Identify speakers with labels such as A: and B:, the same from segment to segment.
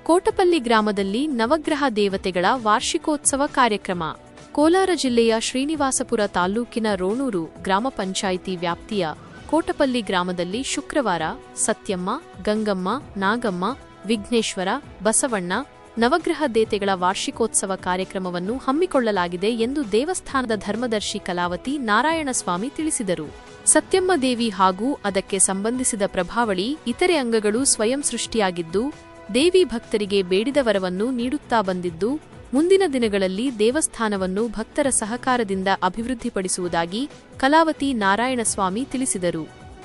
A: ಕೋಟಪಲ್ಲಿ ಗ್ರಾಮದಲ್ಲಿ ನವಗ್ರಹ ದೇವತೆಗಳ ವಾರ್ಷಿಕೋತ್ಸವ ಕಾರ್ಯಕ್ರಮ. ಕೋಲಾರ ಜಿಲ್ಲೆಯ ಶ್ರೀನಿವಾಸಪುರ ತಾಲ್ಲೂಕಿನ ರೋಣೂರು ಗ್ರಾಮ ಪಂಚಾಯಿತಿ ವ್ಯಾಪ್ತಿಯ ಕೋಟಪಲ್ಲಿ ಗ್ರಾಮದಲ್ಲಿ ಶುಕ್ರವಾರ ಸತ್ಯಮ್ಮ, ಗಂಗಮ್ಮ, ನಾಗಮ್ಮ, ವಿಘ್ನೇಶ್ವರ, ಬಸವಣ್ಣ ನವಗ್ರಹ ದೇವತೆಗಳ ವಾರ್ಷಿಕೋತ್ಸವ ಕಾರ್ಯಕ್ರಮವನ್ನು ಹಮ್ಮಿಕೊಳ್ಳಲಾಗಿದೆ ಎಂದು ದೇವಸ್ಥಾನದ ಧರ್ಮದರ್ಶಿ ಕಲಾವತಿ ನಾರಾಯಣಸ್ವಾಮಿ ತಿಳಿಸಿದರು. ಸತ್ಯಮ್ಮ ದೇವಿ ಹಾಗೂ ಅದಕ್ಕೆ ಸಂಬಂಧಿಸಿದ ಪ್ರಭಾವಳಿ ಇತರೆ ಅಂಗಗಳು ಸ್ವಯಂ ಸೃಷ್ಟಿಯಾಗಿದ್ದು, ದೇವಿ ಭಕ್ತರಿಗೆ ಬೇಡಿದ ವರವನ್ನು ನೀಡುತ್ತಾ ಬಂದಿದ್ದು, ಮುಂದಿನ ದಿನಗಳಲ್ಲಿ ದೇವಸ್ಥಾನವನ್ನು ಭಕ್ತರ ಸಹಕಾರದಿಂದ ಅಭಿವೃದ್ಧಿಪಡಿಸುವುದಾಗಿ ಕಲಾವತಿ ನಾರಾಯಣಸ್ವಾಮಿ ತಿಳಿಸಿದರು.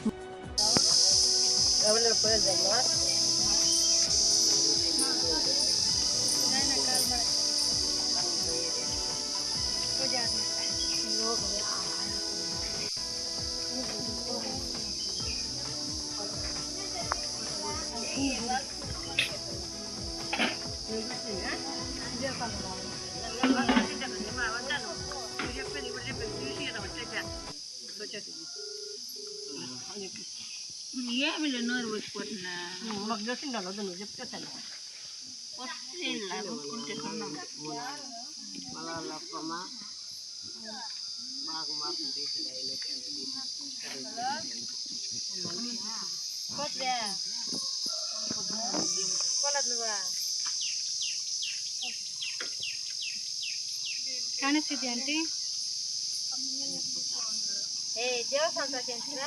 B: ಕಾಣಿಸ್ತಿದ್ಯಾ ಆಂಟಿ? ದೇವಸ್ಥಾನ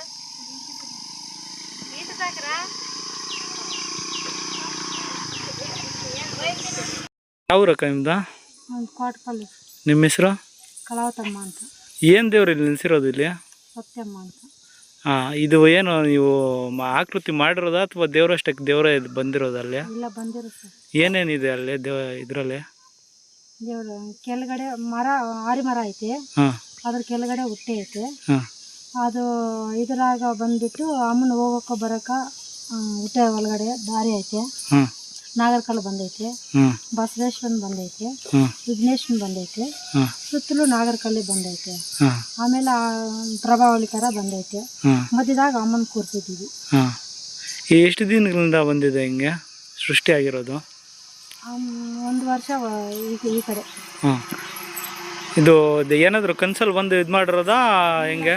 C: ಯಾವ ರಕ ನಿಮ್ದ?
B: ಕೋಟಪಲ್ಲಿ.
C: ನಿಮ್ಮ ಹೆಸರು?
B: ಕಲಾವತಮ್ಮ ಅಂತ.
C: ಏನು ದೇವ್ರು ಇಲ್ಲಿ ನಿಲ್ಸಿರೋದು ಇಲ್ಲಿ?
B: ಸತ್ಯಮ್ಮ ಅಂತ.
C: ಇದು ಏನು ನೀವು ಆಕೃತಿ ಮಾಡಿರೋದಾ ಅಥವಾ ದೇವರಷ್ಟಕ್ಕೆ ದೇವರೇ ಬಂದಿರೋದಲ್ಲಿ?
B: ಇಲ್ಲ, ಬಂದಿರೋ ಸರ್.
C: ಏನೇನಿದೆ ಅಲ್ಲಿ ಇದರಲ್ಲಿ?
B: ದೇವ್ರ ಕೆಳಗಡೆ ಮರ, ಆರಿ ಮರ ಐತೆ, ಅದ್ರ ಕೆಳಗಡೆ ಹುಟ್ಟೆ ಐತೆ. ಅದು ಇದ್ರಾಗ ಬಂದ್ಬಿಟ್ಟು ಅಮ್ಮನ ಹೋಗಕ್ಕ ಬರಕ ಹುಟ್ಟೆ ಒಳಗಡೆ ದಾರಿ ಐತೆ. ನಾಗರಕಲ್ಲು ಬಂದೈತೆ, ಬಸವೇಶ್ವರನ್ ಬಂದೈತೆ, ವಿಘ್ನೇಶ್ವರನ್ ಬಂದೈತೆ, ಸುತ್ತಲೂ ನಾಗರಕಲ್ಲಿ ಬಂದೈತೆ. ಆಮೇಲೆ ಪ್ರಭಾವಳಿ ತರ ಬಂದೈತೆ. ಮಧ್ಯದಾಗ ಅಮ್ಮನ ಕೂರ್ಸಿದ್ದೀವಿ.
C: ಎಷ್ಟು ದಿನಗಳಿಂದ ಬಂದಿದೆ ಹಿಂಗೆ ಸೃಷ್ಟಿ ಆಗಿರೋದು?
B: 1 ವರ್ಷ ಈ ಕಡೆ.
C: ಇದು ಏನಾದ್ರು ಕನ್ಸಲ್ಲಿ ಬಂದು ಇದು ಮಾಡಿರೋದಾ ಹೆಂಗೆ?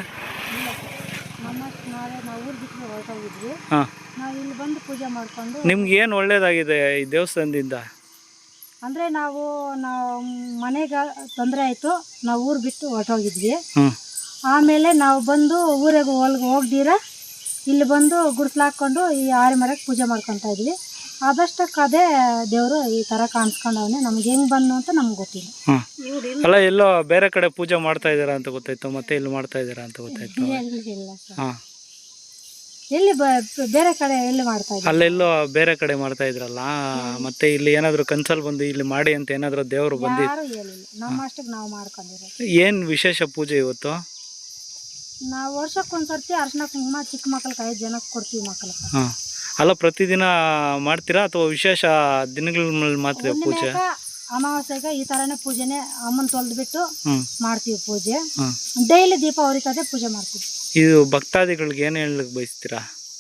B: ನಾವು ಊರು ಬಿಟ್ಟು ಹೊರಟೋಗಿದ್ವಿ. ನಾವು ಇಲ್ಲಿ ಬಂದು ಪೂಜೆ ಮಾಡ್ಕೊಂಡು.
C: ನಿಮ್ಗೆ ಏನು ಒಳ್ಳೇದಾಗಿದೆ ಈ ದೇವಸ್ಥಾನದಿಂದ?
B: ಅಂದರೆ ನಾವು ಮನೆಗೆ ತೊಂದರೆ ಆಯಿತು, ನಾವು ಊರು ಬಿಟ್ಟು ಹೊರಟೋಗಿದ್ವಿ. ಆಮೇಲೆ ನಾವು ಬಂದು ಊರಿಗೆ ಹೋಗ್ದಿರ ಇಲ್ಲಿ ಬಂದು ಗುಡಿಸ್ಲಾಕೊಂಡು ಈ ಆರಿ ಮರಕ್ಕೆ ಪೂಜೆ ಮಾಡ್ಕೊತಾ ಇದ್ವಿ. ಆದಷ್ಟಕ್ಕೆ ಅದೇ ದೇವರು ಈ ಥರ ಕಾಣಿಸ್ಕೊಂಡವನೇ. ನಮ್ಗೆ ಹೆಂಗೆ ಬಂದು ಅಂತ ನಮ್ಗೆ ಗೊತ್ತಿಲ್ಲ.
C: ಅಲ್ಲ, ಎಲ್ಲೋ ಬೇರೆ ಕಡೆ ಪೂಜೆ ಮಾಡ್ತಾ ಇದ್ದೀರಾ ಅಂತ ಗೊತ್ತಾಯ್ತು, ಮತ್ತೆ ಇಲ್ಲಿ ಮಾಡ್ತಾ ಇದ್ದೀರಾ ಅಂತ ಗೊತ್ತಾಯ್ತು.
B: ಇಲ್ಲ ಸರ್, ಎಲ್ಲಿ ಬೇರೆ ಕಡೆ ಎಲ್ಲಿ ಮಾಡ್ತಾ ಇದ್ದೀವಿ?
C: ಅಲ್ಲೆಲ್ಲೋ ಬೇರೆ ಕಡೆ ಮಾಡ್ತಾ ಇದ್ರಲ್ಲ, ಮತ್ತೆ ಇಲ್ಲಿ ಏನಾದ್ರು ಕನ್ಸಲ್ ಬಂದು ಇಲ್ಲಿ ಮಾಡಿ ಅಂತ ಏನಾದ್ರು ದೇವರು ಬಂದಿ?
B: ಯಾರು ಹೇಳಿಲ್ಲ, ನಮ್ಮ ಅಷ್ಟಕ್ಕೆ ನಾವು ಮಾಡ್ಕೊಂಡಿರೋದು.
C: ಏನ್ ವಿಶೇಷ ಪೂಜೆ ಇವತ್ತು?
B: ನಾವು ವರ್ಷಕ್ಕೊಂದ್ಸರ್ತಿ ಅರ್ಶಿನ ಕುಂಕುಮ ಚಿಕ್ಕ ಮಕ್ಳಿಗೆ 5 ಜನಕ್ಕೆ ಕೊಡ್ತೀವಿ ಮಕ್ಳಿಗೆ.
C: ಅಲ್ಲ, ಪ್ರತಿದಿನ ಮಾಡ್ತೀರಾ ಅಥವಾ ವಿಶೇಷ ದಿನಗಳ ಮಾತ್ರ ಪೂಜೆ?
B: ಅಮಾವಾಸ್ಯೆಗೆ ಈ ಥರನೇ ಪೂಜೆನೆ, ಅಮ್ಮನ ತೊಳೆದ್ಬಿಟ್ಟು ಮಾಡ್ತೀವಿ ಪೂಜೆ. ಡೈಲಿ ದೀಪ ಉರಿತದೆ, ಪೂಜೆ ಮಾಡ್ತೀವಿ.
C: ಇದು ಭಕ್ತಾದಿಗಳಿಗೆ ಏನು ಹೇಳಲಿಕ್ಕೆ ಬಯಸ್ತೀರಾ?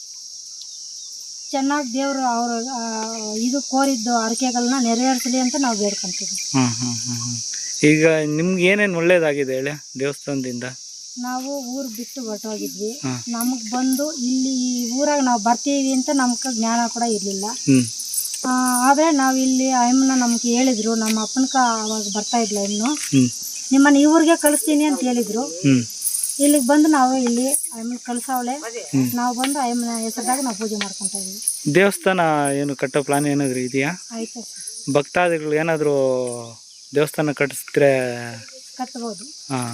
B: ಚೆನ್ನಾಗಿ ದೇವರು ಅವರು ಇದು ಕೋರಿದ್ದು ಅರಿಕೆಗಳನ್ನ ನೆರವೇರಿಸಲಿ ಅಂತ ನಾವು ಬೇಡ್ಕೊಂತೀವಿ.
C: ಈಗ ನಿಮ್ಗೆ ಏನೇನು ಒಳ್ಳೇದಾಗಿದೆ ಹೇಳಿ ದೇವಸ್ಥಾನದಿಂದ?
B: ನಾವು ಊರು ಬಿಟ್ಟು ಹೊರಟೋಗಿದ್ವಿ. ನಮಗೆ ಬಂದು ಇಲ್ಲಿ ಈ ಊರಾಗ ನಾವು ಬರ್ತೀವಿ ಅಂತ ನಮ್ಗೆ ಜ್ಞಾನ ಕೂಡ ಇರಲಿಲ್ಲ. ಆದರೆ ನಾವು ಇಲ್ಲಿ ಅಮ್ಮನ ನಮ್ಗೆ ಹೇಳಿದ್ರು, ನಮ್ಮ ಅಪ್ಪನಕ ಅವಾಗ ಬರ್ತಾ ಇದ್ಲ ಇನ್ನು, ನಿಮ್ಮನ್ನು ಈ ಊರಿಗೆ ಕಳಿಸ್ತೀನಿ ಅಂತ ಹೇಳಿದ್ರು. ಇಲ್ಲಿಗೆ ಬಂದು ನಾವು ಇಲ್ಲಿ ಅಮ್ಮನ ಕಳ್ಸವಳೆ, ನಾವು ಬಂದು ಅಮ್ಮನ ಹೆಸರದಾಗ ನಾವು ಪೂಜೆ ಮಾಡ್ಕೊತಾ ಇದೀವಿ.
C: ದೇವಸ್ಥಾನ ಏನು ಕಟ್ಟೋ ಪ್ಲಾನ್ ಏನಾದ್ರು ಇದೆಯಾ?
B: ಆಯ್ತು,
C: ಭಕ್ತಾದಿಗಳು ಏನಾದರೂ ದೇವಸ್ಥಾನ ಕಟ್ಟಿಸಿದ್ರೆ
B: ಕಟ್ಬೋದು,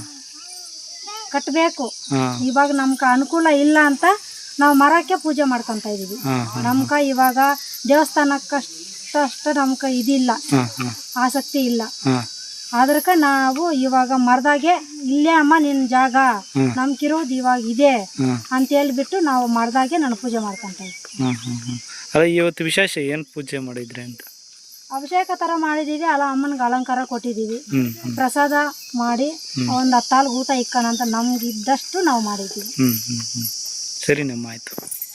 B: ಕಟ್ಟಬೇಕು. ಇವಾಗ ನಮ್ಗೆ ಅನುಕೂಲ ಇಲ್ಲ ಅಂತ ನಾವು ಮರಕ್ಕೆ ಪೂಜೆ ಮಾಡ್ಕೊತಾ ಇದೀವಿ. ನಮ್ಗೆ ಇವಾಗ ದೇವಸ್ಥಾನಕ್ಕಷ್ಟು ನಮ್ಗೆ ಇದಿಲ್ಲ, ಆಸಕ್ತಿ ಇಲ್ಲ. ಅದಕ್ಕೆ ನಾವು ಇವಾಗ ಮರದಾಗೆ ಇಲ್ಲೇ ಅಮ್ಮ ನಿನ್ನ ಜಾಗ, ನಮ್ಗಿರೋದು ಇವಾಗ ಇದೆ ಅಂತ ಹೇಳ್ಬಿಟ್ಟು ನಾವು ಮರದಾಗೆ ನಾನು ಪೂಜೆ ಮಾಡ್ಕೊತಾ ಇದ್ವಿ.
C: ಇವತ್ತು ವಿಶೇಷ ಏನು ಪೂಜೆ ಮಾಡಿದ್ರಿ ಅಂತ?
B: ಅಭಿಷೇಕ ತರ ಮಾಡಿದೀವಿ, ಅಲ್ಲ ಅಮ್ಮನಿಗೆ ಅಲಂಕಾರ ಕೊಟ್ಟಿದ್ದೀವಿ, ಪ್ರಸಾದ ಮಾಡಿ ಒಂದು 10 ಊಟ ಇಕ್ಕಣ ಅಂತ ನಮ್ಗೆ ಇದ್ದಷ್ಟು ನಾವು ಮಾಡಿದ್ದೀವಿ.
C: ಸರಿ ನಮ್ಮ ಆಯ್ತು.